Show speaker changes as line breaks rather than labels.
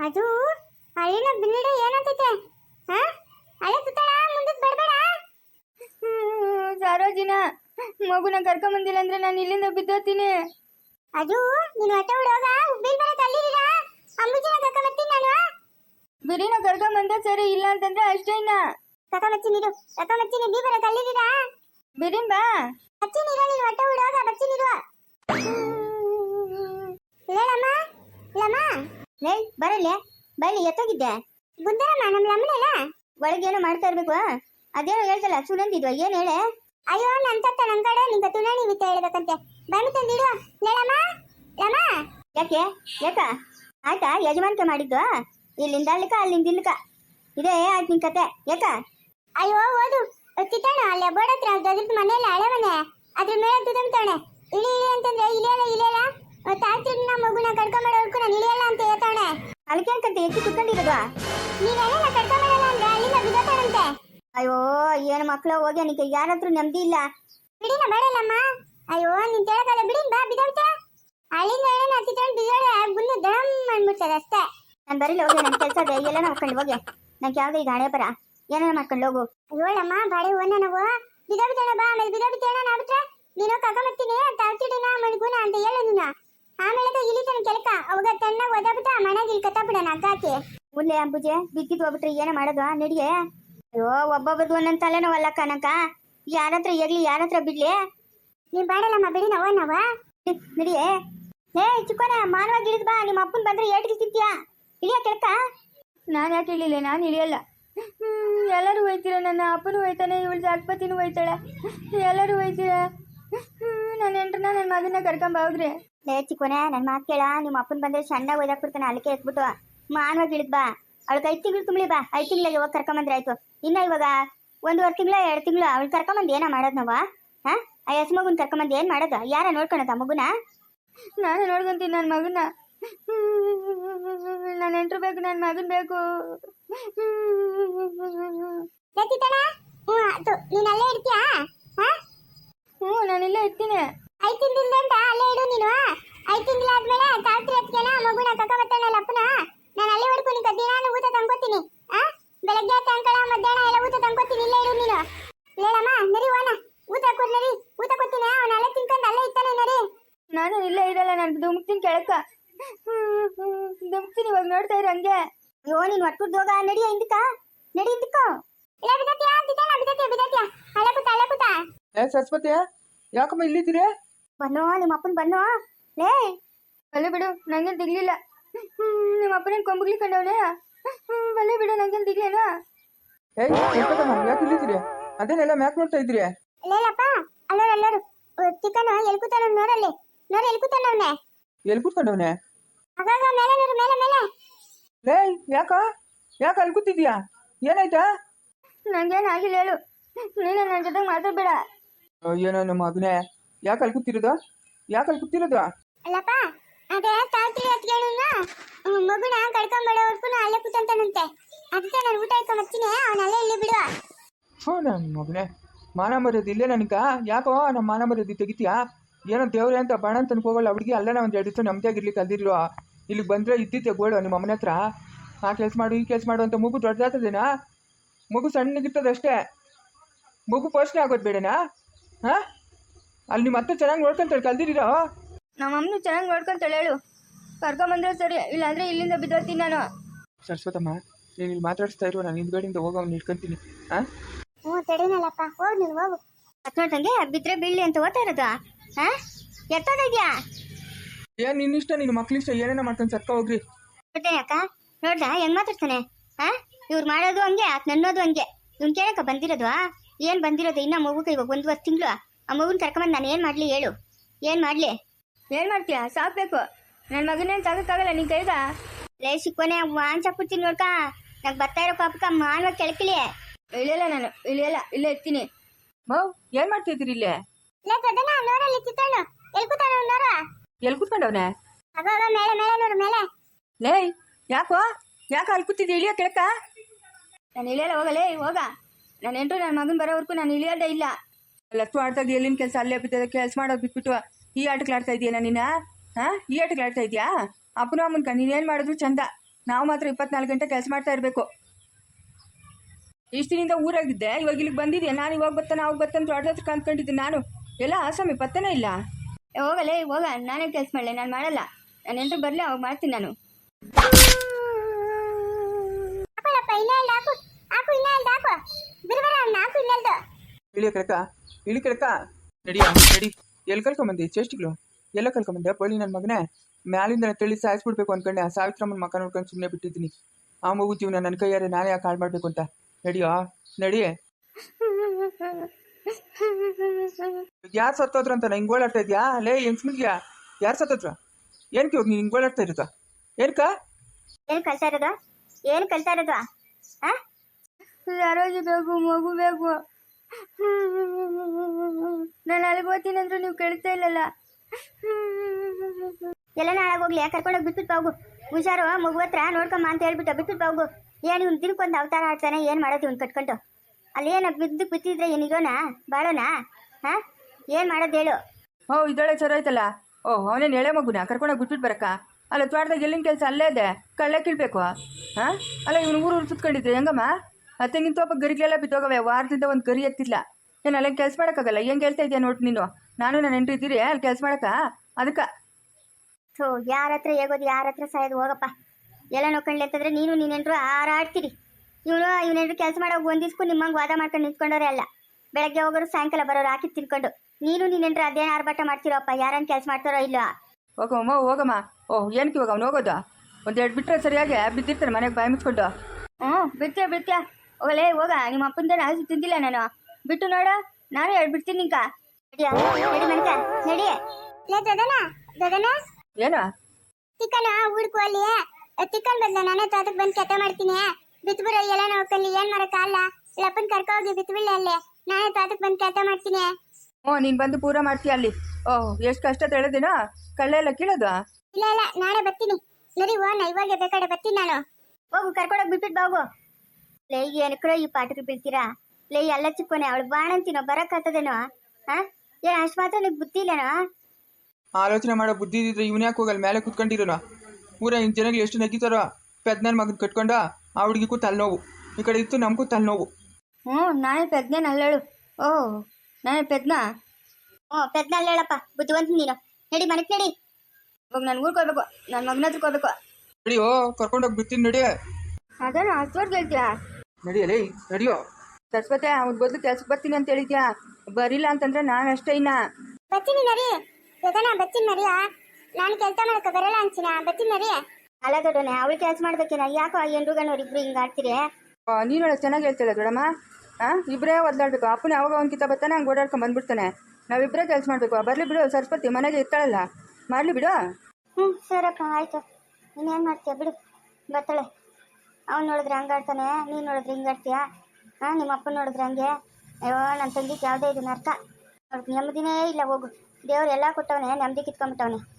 ಅದು ಅಲ್ಲಿನ ಬಿಲ್ಡೆ ಏನಂತೈತೆ ಹಾ ಅಲೆ ತುತ್ತಳ ಮುಂದಕ್ಕೆ ಬರಬೇಡ.
ಸರೋಜಿನ ಮಗುನ ಕರ್ಕೊಂಬಂದಿಲ್ಲ ಅಂದ್ರೆ ನಾನು ಇಲ್ಲಿಂದ ಬಿದ್ದೋತೀನಿ.
ಅದು ನೀನು ಹೊಟ್ಟೆ ಹುಡುಗ ಬಿಲ್ ಬರಕ್ಕೆ ಅಲ್ಲಿದ್ದೀರಾ ಅಂಬುಜಿನ ಕರ್ಕೊಂಬರ್ತೀನಿ ನಾನು.
ಬಿರಿನ ಕರ್ಕೊಂಬಂದ ಸರಿ, ಇಲ್ಲ ಅಂತಂದ್ರೆ ಅಷ್ಟೇ. ಇನ್ನ
ಕರ್ಕೊಂಬರ್ತೀನಿ ಬಿ ಬರಕ್ಕೆ ಅಲ್ಲಿದ್ದೀರಾ.
ಬಿರಿನ್ ಬಾ
ಬಚ್ಚಿನಿರೋ ನೀನು ಹೊಟ್ಟೆ ಹುಡುಗ ಬಚ್ಚಿನಿರೋ. ಹೇಳಮ್ಮ ಲಮ್ಮ ಲೇ ಬರಲ್ಲೇ ಬೈಲಿ ಎತ್ತೋಗಿದ್ದೆ ಗುಂದರಮ್ಮ ನಮ್ಮ ಲಮ್ಮನೆಲ್ಲ
ಒಳಗೇನೋ ಮಾಡ್ತಾ ಇರ್ಬೇಕು. ಅದೇನೋ ಹೇಳ್ತಲ್ಲ ಸುನಂದಿದ್ವ, ಏನ್ ಹೇಳೆ?
ಅಯ್ಯೋ ನನ್ ತತ್ತ ನನ್ ಕಡೆ ನಿಂಗೆ ತುಣಿ ವಿತ್ತ ಹೇಳ್ಬೇಕಂತೆ ಬನ್ನಿ ತಂದಿಡು. ಲಮ್ಮ ಲಮ್ಮ
ಯಾಕೆ ಯಾಕ ಆಯ್ತಾ ಯಜಮಾನ್ಕೆ ಮಾಡಿದ್ದು? ಇಲ್ಲಿಂದ ಅಲ್ಲಿಕ ಅಲ್ಲಿಂದ ಇಲ್ಲಿಕ ಇದೇ ಆಯ್ತು ನಿನ್ ಕತೆ. ಯಾಕ?
ಅಯ್ಯೋ ಓದು ತಿತ್ತಣ ಅಲ್ಲೇ ಬೋರ್ಡ್ ಹತ್ರ ಅದ್ರದ್ದು ಮನೆಯಲ್ಲ ಹಳೆ ಮನೆ ಅದ್ರ ಮೇಲೆ ತುದಂತಾಳೆ. ಇಳಿ ಇಳಿ ಅಂತಂದ್ರೆ ಇಳಿಯಲ್ಲ ತಾಳ್ತಿಡ್ ನಮ್ಮ ಮಗುನ ಕರ್ಕೊಂಬರೋರ್ಕು ನಾನು ಇಳಿಯಲ್ಲ ಅಂತ ಹೇಳ್ತಾಳೆ.
ಅಲ್ಲಿಕೆ ಅನ್ಕಂತೆ ಎತ್ತಿ ಕುತ್ಕೊಂಡಿರೋದು.
ನೀವೆಲ್ಲ ಕರ್ಕೊಂಬರಲ್ಲ ಅಂದ್ರೆ ಅಲ್ಲಿಂದ ಬಿದ್ದೋತಾಳಂತೆ.
ಅಯ್ಯೋ ಏನು ಮಕ್ಳು ಹೋಗಿ ನಿನಗೆ ಯಾರತ್ರ ನೆಮ್ಮದಿ ಇಲ್ಲ.
ಬಿಡಿನ ಬೇಡಲ್ಲಮ್ಮ. ಅಯ್ಯೋ ನಿನ್ ಕೇಳಕಲ್ಲ ಬಿಡಿನ ಬಾ ಬಿದ್ದೋಗ್ತ ಅಲ್ಲಿಂದ ಏನೋ ತಿತ್ತಣ್ಣ ಬಿದ್ದೋಳೆ ಗುಂಡು ದಡಮ್ ಅಂದ್ಬಿಡ್ತದೆ ಅಷ್ಟೇ.
ನಾನು ಬರೀಲಿ ಹೋಗಿ ನನ್ನ ಕೆಲಸ ಇದೆ ಎಲ್ಲ ಮಾಡ್ಕೊಂಡು ಹೋಗಿ. ನಂಗೆ ಯಾವ್ದು ಈಗ ಹಣೆ ಬರ ಏನಾರ ಮಾಡ್ಕೊಂಡು ಹೋಗು.
ಅಯ್ಯೋಳಮ್ಮ ಬಾಳೆ ಓನ ನಾವು ಬಿದ್ದೋಗ್ತೇಣ ಬಾ ಆಮೇಲೆ ಬಿದ್ದೋಗ್ತೇಣ ನಾಬಿಟ್ರೆ ನೀನು ಕರ್ಕೊಂಬರ್ತೀನಿ ತಾಳ್ತಿಡಿನ ಮಡ್ಗುನ ಅಂತ ಹೇಳು ನೀನು. ಆಮೇಲೆ ಇಳಿತಾನೆ ಕೆಲಕ ಅವಾಗ ತಣ್ಣಾಗ ಒದಬಿಟ್ಟ ಮನೆಗೆ ಇಲ್ಲಿ ಕತ್ತಾಬಿಡೋಣ ಅಗ್ಗಾಕಿ.
ಮುಂದೆ ಅಂಬುಜೆ ಬಿದ್ದಿದ್ದು ಹೋಗ್ಬಿಟ್ರೆ ಏನೋ ಮಾಡೋದು ನಡಿಗೆ. ಅಯ್ಯೋ ಒಬ್ಬೊಬ್ಬರದು ಒಂದೊಂದು ತಲೆನೋವು ಅಲ್ಲ ಕನಕ. ಯಾರತ್ರ ಎಗ್ಲಿ ಯಾರತ್ರ ಬಿಡ್ಲಿ?
ನೀವ್ ಬಾಡಲ್ಲಮ್ಮ ಬಿಡಿ ನಾವ
ನಡಿಯೇ. ಹೇ ಚಿಕ್ಕೋನೆ ಮಾನವಾಗಿ ಇಳಿದ್ ಬಾ. ನಿಮ್ಮ ಅಪ್ಪನ್ ಬಂದ್ರೆ ಏಟಿಗೆ ತಿಂತೀಯಾ? ಇಳಿಯ ಕೆಳಕ. ನಾನು ಯಾಕೆ ಇಳಿಲ್ಲ? ನಾನು ಇಳಿಯಲ್ಲ. ಎಲ್ಲರೂ ಹೋಯ್ತೀರ, ನನ್ನ ಅಪ್ಪನೂ ಹೋಯ್ತಾನೆ, ಇವಳು ಜಾಗಪತಿನೂ ಹೋಯ್ತಾಳೆ, ಎಲ್ಲರೂ ಹೋಯ್ತೀರ. ನನ್ನ ಹೆಂಡ್ರನ್ನ ನನ್ನ ಮಗನ ಕರ್ಕೊಂಡ್ ಹೋಗ್ರಿ. ಲೇ ಚಿಕ್ಕೋನೆ ನನ್ನ ಮಾತು ಕೇಳ. ನಿಮ್ಮ ಅಪ್ಪನ್ ಬಂದ್ರೆ ಸಣ್ಣ ಒಯ್ದಾಕ್ಬಿಡ್ತಾನೆ. ಅಲ್ಲಿಗೆ ಎತ್ಬಿಟ್ಟು ಮಾನವಾಗಿ ಇಳಿದ್ ಬಾ. ಅವಳಿಗೆ 5 ತಿಂಗಳು ತುಂಬಳಿ ಬಾ. 5 ತಿಂಗಳಿಗೆ ಹೋಗಿ ಕರ್ಕೊಂಬಂದ್ರೆ ಆಯ್ತು. ಇನ್ನ ಇವಾಗ 1.5 ತಿಂಗಳ 2 ತಿಂಗಳು ಅವಳು ಕರ್ಕೊಂಬಂದು ಏನೋ ಮಾಡೋದು ನಾವು? ಹಾ ಆ ಎಸ್ ಮಗುನ್ ಕರ್ಕೊಂಬಂದು ಏನ್ ಮಾಡೋದು? ಯಾರ ನೋಡ್ಕೊಳದ ಮಗುನ? ನಾನು ನೋಡ್ಕೊಂತೀನಿ ನನ್ನ ಮಗನ. ನನ್ನ ಹೆಂಡ್ರು ಬೇಕು, ನನ್ನ ಮಗನ್ ಬೇಕು.
ನೀನ್ ಅಲ್ಲೇ ಇರ್ತೀಯಾ?
ನಾನಿಲ್ಲೇ ಇರ್ತೀನಿ.
5 ತಿಂಗಳಿಂದ ಅಲ್ಲೇ ಇಡು ನೀನು. 5 ತಿಂಗಳಾದ್ಮೇಲೆ ತಾಳ್ತಿ ಎತ್ಕೆನ ಮಗುನ ಕರ್ಕೊಂಬರ್ತಾನಲ್ಲ ಅಪ್ಪನ. ನಾನು ಅಲ್ಲೇ ಹೊಡ್ಕೊಂಡು ದಿನಾನು ಊಟ ತಂದ್ಕೊತೀನಿ. ಬೆಳಗ್ಗೆ ಸಾಯಂಕಾಲ ಮಧ್ಯಾಹ್ನ ಎಲ್ಲ ಊಟ ತಂದ್ಕೊತೀನಿ. ಇಲ್ಲೇ ಇಡು ನೀನು. ಹೇಳಮ್ಮ ನರಿ ಹೋನ ಊಟ ಕೊಡ್ ನರಿ. ಊಟ ಕೊಡ್ತೀನಿ. ಅವನ ಅಲ್ಲೇ ತಿನ್ಕೊಂಡು ಅಲ್ಲೇ ಇರ್ತಾನೆ ನರಿ.
ನಾನು ಇಲ್ಲೇ ಇರಲ್ಲ. ನಾನು ದುಮ್ತೀನಿ ಕೆಳಕ ದುಮ್ತೀನಿ. ಇವಾಗ ನೋಡ್ತಾ ಇರ ಹಂಗೆ. ಅಯ್ಯೋ ನೀನು ಒಟ್ಟು ಹೋಗ. ನಡಿಯ ಹಿಂದಕ್ಕ ನಡಿ ಹಿಂದಕ್ಕ.
ಇಲ್ಲ ಬಿದ್ದತ್ಯಾ ಬಿದ್ದತ್ಯಾ ಅಲ್ಲೇ ಕೂತ
ಸರಸ್ವತಿ ಯಾಕಮ್ಮ ಇಲ್ಲಿದ್ದೀರಿ?
ಬನ್ನೋ ನಿಮ್ಮ ಅಪ್ಪನ ಬನ್ನೋ. ಲೇ ಬಲ್ಲೆ ಬಿಡು, ನಂಗೇನು ದಿಗ್ಲಿಲ್ಲ. ನಿಮ್ಮ ಅಪ್ಪನೇನು ಕೊಂಬುಗ್ಲಿ ಕಂಡವನೇ. ಬಲ್ಲೆ ಬಿಡು, ನಂಗೇನು ದಿಗ್ಲೇನ.
ಯಾಕೆ ಇಲ್ಲಿದ್ದೀರಿ? ಅದೇನೆಲ್ಲ ಮ್ಯಾಕ್ ನೋಡ್ತಾ ಇದ್ರಿ?
ಲೇಲಪ್ಪ ಅಲ್ಲೋರು ಚಿಕನ್ ಎಲ್ಲಿ ಕೂತಾನ ನೋಡಲ್ಲಿ. ನೋಡಿ ಎಲ್ಲಿ ಕೂತಾನವನೆ.
ಎಲ್ಲಿ ಕೂತ್ಕೊಂಡವನೆ?
ಆಗಾಗ ಮೇಲೆ ನೋಡು ಮೇಲೆ.
ಲೇ ಯಾಕ ಅಲ್ಲಿ ಕೂತಿದ್ಯಾ? ಏನಾಯ್ತಾ?
ನಂಗೇನು ಆಗಿಲ್ಲ ಹೇಳು. ನೀನು ನನ್ನ ಜೊತೆಗೆ ಮಾತಾಡ್ಬೇಡ.
ಏನೋ ನಮ್ಮ ಮಗನೇ ಯಾಕೆ ಅಲ್ಲಿ ಕೂತಿರೋದು?
ಅಲ್ಲಪ್ಪ ಅದೇ ತಾಳ್ತಿ ಎತ್ಕೊಳ್ಳೋಣ ಮಗುನ ಕರ್ಕೊಂಬರೋವರ್ಗು ಅಲ್ಲೇ ಕೂತಂತಾನಂತೆ. ಅದಕ್ಕೆ ನಾನು ಊಟ ಇಟ್ಕೊಂಬರ್ತೀನಿ. ಅವನಲ್ಲೇ ಇಲ್ಲಿ ಬಿಡುವ.
ನನ್ನ ಮಗನೇ ಮಾನ ಮರ್ಯಾದೆ ಇಲ್ಲೇ ನನಗ. ಯಾಕೋ ನಮ್ಮ ಮಾನ ಮರ್ಯಾದೆ ತೆಗಿತೀಯಾ? ಏನೋ ದೇವ್ರೆ ಅಂತ ಬಾಣ ಅಂತ ಹೋಗಲ್ಲ ಹುಡುಗಿ. ಅಲ್ಲೇ ಒಂದು 2 ದಿವಸ ನಮ್ದಾಗಿರ್ಲಿಕ್ಕೆ ಅಲ್ದಿರೋ ಇಲ್ಲಿಗೆ ಬಂದರೆ ಇದ್ದಿದ್ದೆ ಗೋಳು ನಿಮ್ಮ ಅಮ್ಮನ ಹತ್ರ. ಆ ಕೆಲಸ ಮಾಡು ಈ ಕೆಲಸ ಮಾಡು ಅಂತ ಮಗು ದೊಡ್ಡದಾಗ್ತದೇನಾ? ಮಗು ಸಣ್ಣಗಿರ್ತದೆ ಅಷ್ಟೇ. ಮಗು ಪೋಷಣೆ ಆಗೋದು ಬೇಡನಾ? ಅಲ್ಲಿ ನಿಮ್ಮ ಅತ್ತೆ ಚೆನ್ನಾಗಿ ನೋಡ್ಕೊಂತಾಳೆ ಕಲ್ದಿರೋ?
ನಮ್ಮ ಅಮ್ಮನು ಚೆನ್ನಾಗಿ ನೋಡ್ಕೊಂತಾಳೆ ಹೇಳು. ಕರ್ಕೊಂಬಂದ್ರೆ ಸರಿ, ಇಲ್ಲಾಂದ್ರೆ ಇಲ್ಲಿಂದ ಬಿದ್ದೋಗ್ತೀನಿ ನಾನು.
ಸರಸ್ವತಮ್ಮ ನೀನು ಇಲ್ಲಿ ಮಾತಾಡಿಸ್ತಾ ಇರುವ ನಾನು ಹಿಂದ್ಗಡೆಯಿಂದ ಹೋಗೋನು ಇಟ್ಕೊಂತೀನಿ.
ತಡೀನಲ್ಲಪ್ಪ ಹೋಗ್ ನೀನು ಹೋಗು.
ಹತ್ತೋಟಂಗೆ ಬಿದ್ರೆ ಬೀಳಿ ಅಂತ ಓದ್ತಾ ಇರೋದು. ಎತ್ತೋದಿದ್ಯಾ?
ಏನು ನಿನ್ನಿಷ್ಟ, ನಿನ್ನ ಮಕ್ಳಿಷ್ಟ, ಏನೇನೋ ಮಾಡ್ಕೊಂಡು ಸತ್ಕ ಹೋಗ್ರಿ.
ಅಕ್ಕ ನೋಡ್ದ ಹೆಂಗ್ ಮಾತಾಡ್ತಾನೆ? ಇವ್ರು ಮಾಡೋದು ಹಂಗೆ, ನನ್ನೋದು ಹಂಗೆ. ಇವ್ನು ಕೇಳಕ್ಕ ಬಂದಿರೋದು? ಏನು ಬಂದಿರೋದು? ಇನ್ನ ಮಗುಗೆ ಇವಾಗ 1 ವರ್ಷ ತಿಂಗಳು. ಆ ಮಗುನ ಕರ್ಕೊಂಬಂದು ನಾನು ಏನು ಮಾಡಲಿ ಹೇಳು? ಏನು ಮಾಡಲಿ? ಏನು ಮಾಡ್ತೀಯಾ? ಸಾಕ್ಬೇಕು. ನನ್ನ ಮಗನೇನು ಸಾಕಾಗಲ್ಲ ನಿನ್ನ ಕೈಗ. ಲೇ ಸಿಕ್ಕೋನೆ ವಾಂಚಾಕ್ಬಿಡ್ತೀನಿ ನೋಡ್ಕ. ನಂಗೆ ಬರ್ತಾ ಇರೋ ಪಾಪಕ್ಕ ಮಾನವಾಗಿ ಕೆಳಕಿಲಿ. ಇಳಿಯಲ್ಲ ನಾನು, ಇಳಿಯಲ್ಲ. ಇಲ್ಲೇ ಇರ್ತೀನಿ.
ಮಾವ್ ಏನು ಮಾಡ್ತಿದ್ದೀರಿ ಇಲ್ಲೇ?
ನೋಡಲ್ಲಿ ಚಿತ್ತಣ್ಣ ಎಲ್ಲಿ ಕೂತಾನ ನೋಡ.
ಎಲ್ಲಿ ಕೂತ್ಕೊಂಡವನೆ?
ಆಗಾಗ ಮೇಲೆ ನೋಡು ಮೇಲೆ.
ಲೇ ಯಾಕೆ ಅಲ್ಲಿ ಕೂತಿದ್ದೆ? ಇಳಿಯೋ ಕೆಳಕ.
ನಾನು ಇಳಿಯಲ್ಲ. ಹೋಗಲೇ ಹೋಗ. ನಾನು ಎಂಟು ನನ್ನ ಮಗನ ಬರೋವರೆಗೂ ನಾನು ಇಳಿಯೋದೇ ಇಲ್ಲ.
ಲತ್ತು ಆಡ್ದಾಗ ಎಲ್ಲಿನ ಕೆಲಸ ಅಲ್ಲೇ ಬಿದ್ದದ. ಕೆಲಸ ಮಾಡೋದು ಬಿಟ್ಬಿಟ್ಟು ಈ ಆಟಕ್ಕೆ ಆಡ್ತಾ ಇದೆಯಾ ನೀನು? ಈ ಆಟಕ್ಕೆ ಆಡ್ತಾ ಇದೆಯಾ? ಅಪ್ಪನ ಅಮ್ಮನ್ಕ ನೀನೇನು ಮಾಡಿದ್ರು ಚಂದ.
ನಾವು ಮಾತ್ರ 24 ಗಂಟೆ ಕೆಲಸ ಮಾಡ್ತಾ ಇರಬೇಕು. ಇಷ್ಟಿನಿಂದ ಊರಾಗಿದ್ದೆ, ಇವಾಗ ಇಲ್ಲಿಗೆ ಬಂದಿದ್ದೆ. ನಾನು ಇವಾಗ ಬರ್ತಾನೆ ಅವಾಗ ಬರ್ತಾನೆ ತೋಟದ ಹತ್ರ ಕಂದ್ಕೊಂಡಿದ್ದೀನಿ. ನಾನು ಎಲ್ಲ ಆಸಾಮಿ ಪತ್ತನೇ ಇಲ್ಲ. ಹೋಗಲೇ ಹೋಗ, ನಾನೇ ಕೆಲಸ ಮಾಡಲೆ, ನಾನು ಮಾಡಲ್ಲ. ನಾನು ಎಂಟ್ರು ಬರಲಿ ಅವಾಗ ಮಾಡ್ತೀನಿ ನಾನು.
ಹಾಕೊಳ್ಳಪ್ಪ, ಇನ್ನೆಲ್ದು ಹಾಕು ಹಾಕು, ಇನ್ನೆಲ್ದು ಹಾಕು. ಬಿರ್ಬರ ನಾಲ್ಕು ಇನ್ನೆಲ್ದು.
ಇಳಿ ಕೆಳಕ, ಇಳಿ ಕೆಳಕ. ನಡಿಯ ನಡಿ. ಎಲ್ಲಿ ಕಳ್ಕೊಂಬಂದಿ ಚೇಷ್ಟಿಗಳು? ಎಲ್ಲ ಕಳ್ಕೊಂಬಂದೆ ಪಳ್ಳಿ ನನ್ನ ಮಗನೇ. ಮ್ಯಾಲಿಂದ ತೆಳಿ ಸಾಯಿಸ್ಬಿಡ್ಬೇಕು ಅನ್ಕೊಂಡೆ. ಆ ಸಾವಿತ್ರಮ್ಮನ ಮಕ್ಕ ನೋಡ್ಕೊಂಡು ಸುಮ್ಮನೆ ಬಿಟ್ಟಿದ್ದೀನಿ. ಆ ಮಗು ಜೀವನ ನನ್ನ ಕೈಯಾರೆ ನಾನೇ ಯಾಕೆ ಹಾಳು ಮಾಡಬೇಕು ಅಂತ. ನಡಿಯೋ ನಡಿ. ಯಾರು ಸತ್ತೋದ್ರು ಅಂತ ಹಿಂಗೆ ಓಡಾಡ್ತಾ ಇದೆಯಾ? ಲೇ ಹೆಂಗ್ಸ್ಮಿದ್ಯಾ? ಯಾರು ಸತ್ತೋದ್ರು? ಏನಕ್ಕೆ ಇವಾಗ ನೀನು ಹಿಂಗೆ ಓಡಾಡ್ತಾ ಇರೋದು? ಏನಕ್ಕ?
ಏನು ಕಳ್ತಾ ಇರೋದು? ಏನು ಕಳ್ತಾ ಇರೋದು? ಯಾರೋಜಿ ಬೇಕು, ಮಗು ಬೇಕು. ನಾನು ಅಲ್ಲಿಗೆ ಹೋಗ್ತೀನಿ ಅಂದ್ರೂ ನೀವು ಕೇಳ್ತಾ ಇಲ್ಲಲ್ಲ. ಎಲ್ಲ ನಾಳಾಗೋಗ್ಲಿ, ಕರ್ಕೊಂಡೋಗಿ ಬಿಟ್ಬಿಟ್ಟು ಹೋಗು. ಹುಷಾರು, ಮಗು ಹತ್ರ ನೋಡ್ಕೊಂಬ ಅಂತ ಹೇಳ್ಬಿಟ್ಟು ಬಿಟ್ಬಿಟ್ಟು ಹೋಗು. ಏನು ಇವ್ನು ದಿನಕ್ಕೊಂದು ಅವತಾರ ಆಡ್ತಾನೆ, ಏನು ಮಾಡೋದು ಇವ್ನು ಕಟ್ಕೊಂಡು? ಅಲ್ಲಿ ಏನು ಬಿತ್ತಿದ್ರೆ ಏನಿಗೋಣ ಬಾಳೋಣ? ಹಾಂ, ಏನು ಮಾಡೋದು ಹೇಳು? ಇದೊಳೆ ಚಲೋ ಐತಲ್ಲ. ಅವನೇನು ಎಳೆ ಮಗುನ ಕರ್ಕೊಂಡೋಗಿ ಬಿಟ್ಬಿಟ್ಟು ಬರಕ್ಕ? ಅಲ್ಲ ತೋಟದಾಗ ಎಲ್ಲಿನ ಕೆಲಸ ಅಲ್ಲೇ ಇದೆ, ಕಳ್ಳ ಕೀಳ್ಬೇಕು. ಹಾಂ, ಅಲ್ಲ ಇವನು ಊರು ಸುತ್ಕೊಂಡಿದ್ರೆ ಹೆಂಗಮ್ಮ? ಹತ್ತೆಗಿಂತ ಒಬ್ಬ ಗರಿಗಳೆಲ್ಲ ಬಿತ್ತೋಗವೆ. ವಾರದಿಂದ ಒಂದು ಗರಿ ಎತ್ತಿಲ್ಲ. ಏನು ಅಲ್ಲೇ ಕೆಲಸ ಮಾಡೋಕ್ಕಾಗಲ್ಲ. ಏನು ಹೇಳ್ತಾ ಇದೆಯಾ ನೋಡಿ ನೀನು? ನಾನು ನನ್ನ ಹೆಂಡ್ರು ಇದ್ದೀರಿ ಅಲ್ಲಿ ಕೆಲಸ ಮಾಡಕ್ಕ? ಅದಕ್ಕೆ ಯಾರ ಹತ್ರ ಹೇಗೋದು, ಯಾರ ಹತ್ರ ಸಾಯೋದು? ಹೋಗಪ್ಪ. ಎಲ್ಲ ನೋಡ್ಕೊಂಡ್ಲಿ ಅಂತಂದ್ರೆ ನೀನು ನೀನೆಂಟ್ರು ಹಾರಾಡ್ತೀರಿ. ಇವನೆಂಟ್ರು ಕೆಲಸ ಮಾಡೋಗಿ ಒಂದಿಸ್ಕು ನಿಮ್ಮಂಗೆ ವಾದ ಮಾಡ್ಕೊಂಡು ನಿಂತ್ಕೊಂಡವ್ರೆ ಅಲ್ಲ. ಬೆಳಗ್ಗೆ ಹೋಗೋರು ಸಾಯಂಕಾಲ ಬರೋರು ಹಾಕಿ ತಿನ್ಕೊಂಡು ನೀನು ನೀನೆಂಟ್ರು ಅದೇನು ಆರ್ಭಟ ಮಾಡ್ತೀರಪ್ಪ? ಯಾರನ್ನು ಕೆಲಸ ಮಾಡ್ತಾರೋ ಇಲ್ಲೋ? ಹೋಗಮ್ಮ ಹೋಗಮ್ಮ. ಏನಕ್ಕೆ ಇವಾಗ ಅವ್ನು ಹೋಗೋದು? ಒಂದೆರಡು ಬಿಟ್ಟರೆ ಸರಿಯಾಗಿ ಬಿದ್ದಿರ್ತಾನೆ ಮನೆಗೆ ಬಾಯಿ ಮುಚ್ಕೊಂಡು. ಬಿಡ್ತೀಯ ಹೋಗಲೇ ಹೋಗ. ನಿಮ್ಮ ಅಪ್ಪಂದ ಹಸಿ ತಿಂದಿಲ್ಲ ನಾನು. ಬಿಟ್ಟು ನೋಡ, ನಾನು ಎರಡು ಬಿಡ್ತೀನಿ ನಿಂಕ. ನಡಿ ಮನ್ಕ ನಡಿ. ಏನು
ಚಿಕನ್ ಹುಡ್ಕು ಅಲ್ಲಿ. ಚಿಕನ್ ಬದಲ ನಾನೇ ತೋಟಕ್ಕೆ ಬಂದು ಕೆತ್ತ ಮಾಡ್ತೀನಿ. ಬಿತ್ಬಿರೋ ಎಲ್ಲ ನೋಡ್ಕೊಳ್ಳಿ. ಏನ್ ಮಾಡಕ್ಕಲ್ಲ, ಲಪ್ಪನ್ ಕರ್ಕೊ ಹೋಗಿ ಬಿತ್ಬಿಡ್ಲಿ ಅಲ್ಲೇ. ನಾನೇ ತೋಟಕ್ಕೆ ಬಂದು ಕೆತ್ತ ಮಾಡ್ತೀನಿ.
ನೀನು ಬಂದು ಪೂರ ಮಾಡ್ತೀಯ ಅಲ್ಲಿ. ಎಷ್ಟು ಕಷ್ಟ ತಿಳಿದಿನೋ. ಕಳ್ಳ ಎಲ್ಲ ಕೀಳೋದು?
ಇಲ್ಲ ನಾಳೆ ಬರ್ತೀನಿ. ನಡಿ ಹೋನ, ಇವಾಗ ಬೇಕಾಡೆ ಬರ್ತೀನಿ ನಾನು.
ಹೋಗು, ಕರ್ಕೊಂಡೋಗಿ ಬಿಟ್ಬಿಟ್ಟು ಹೋಗು. ಲೇ ಏನಕ್ಕೋ ಈ ಪಾಠಕ್ಕೆ ಬೀಳ್ತೀರಾ? ಲೇ ಎಲ್ಲ ಚಿಕ್ಕೋನೆ, ಅವಳು ಬಾಣಂತೀನೋ ಬರಕ್ಕಾಗ್ತದೇನೋ? ಏನು ಅಷ್ಟು ಮಾತ್ರ ನಿಮ್ಗೆ ಬುದ್ಧಿ ಇಲ್ಲೇನೋ?
ಆಲೋಚನೆ ಮಾಡೋ ಬುದ್ಧಿ ಇದ್ದಿದ್ರೆ ಇವನು ಯಾಕೆ ಹೋಗಲ್ಲ ಮೇಲೆ ಕುತ್ಕೊಂಡಿರೋಣ? ಊರ ಇಂಥ ಜನಗಳು ಎಷ್ಟು ನಗಿತಾರೋ. ಪೆದ್ನನ ಮಗನ ಕಟ್ಕೊಂಡು ಆ ಹುಡುಗಿಗೂ ತಲೆನೋವು, ಈ ಕಡೆ ಇತ್ತು ನಮಗೂ ತಲೆನೋವು.
ನಾನೇ ಪೆದ್ನೇನು ಅಲ್ಲೇಳು. ನಾನೇ ಪೆದ್ನ? ಪೆದ್ನ ಅಲ್ಲೇಳಪ್ಪ, ಬುದ್ಧಿವಂತ ನೀನು. ನಡಿ ಮನೆಗೆ ನಡಿ. ಇವಾಗ ನಾನು ಊರಿಗೆ ಹೋಗ್ಬೇಕು, ನನ್ನ ಮಗನ ಹತ್ರಕ್ಕೆ ಹೋಗ್ಬೇಕು.
ನಡಿಯೋ, ಕರ್ಕೊಂಡೋಗಿ ಬಿಡ್ತೀನಿ ನಡಿ.
ಅದೇನೋ ಅಷ್ಟವರ್ಗೆ ಹೇಳ್ತೀಯಾ?
ನಡಿಯಲೇ ನಡಿಯೋ.
ಸರಸ್ವತಿ, ಅವ್ನ ಬದಲು ಕೆಲ್ಸಕ್ಕೆ ಬರ್ತೀನಿ ಅಂತ ಹೇಳಿದ್ಯಾ? ಬರಿಲ್ಲ ಅಂತಂದ್ರೆ ನಾನು ಅಷ್ಟೇ.
ಬರ್ತೀನಿ ನರಿ. ಬರ್ತೀನಿ ನರಿಯ. ನಾನು ಕೆಲಸ ಮಾಡಕ್ಕೆ ಬರಲ್ಲ ಅಂಚಿನ. ಬರ್ತೀನಿ ನರಿ.
ಅಲ್ಲ ದೊಡ್ಡನೆ, ಅವಳು ಕೆಲಸ ಮಾಡ್ಬೇಕೇನ? ಯಾಕೋ ಎಂಡ್ರುಗನವ್ರಿಬ್ರು ಹಿಂಗೆ ಆಡ್ತೀರಿ? ನೀನೊಳಗೆ ಚೆನ್ನಾಗಿ ಹೇಳ್ತಾಳೆ ದೊಡ್ಡಮ್ಮ. ಇಬ್ಬರೇ ಒದ್ದಾಡ್ಬೇಕು. ಅಪ್ಪನ ಅವಾಗ ಒಂದು ಕಿತ್ತ ಬರ್ತಾನೆ, ಹಂಗೆ ಓಡಾಡ್ಕೊಂಡು ಬಂದ್ಬಿಡ್ತಾನೆ. ನಾವಿಬ್ಬರೇ ಕೆಲಸ ಮಾಡಬೇಕು. ಬರಲಿ ಬಿಡು, ಸರಸ್ವತಿ ಮನೆಗೆ ಇರ್ತಾಳಲ್ಲ, ಮಾಡಲಿ ಬಿಡು.
ಸರಪ್ಪ, ಆಯ್ತು. ನೀನೇನು ಮಾಡ್ತೀಯ ಬಿಡು, ಬರ್ತಾಳೆ. ಅವ್ನು ನೋಡಿದ್ರೆ ಹಂಗಾಡ್ತಾನೆ, ನೀನು ನೋಡಿದ್ರೆ ಹಿಂಗಾಡ್ತೀಯ. ನಿಮ್ಮ ಅಪ್ಪನ ನೋಡಿದ್ರೆ ಹಂಗೆ. ಅಯ್ಯೋ, ನನ್ನ ತಂಗಿಗೆ ಯಾವುದೇ ಇದನ್ನ ಅರ್ಥ. ನೆಮ್ಮದಿನೇ ಇಲ್ಲ. ಹೋಗು, ದೇವ್ರು ಎಲ್ಲ ಕೊಟ್ಟವನೆ, ನೆಮ್ಮದಿ ಕಿತ್ಕೊಂಡ್ಬಿಟ್ಟವನೆ.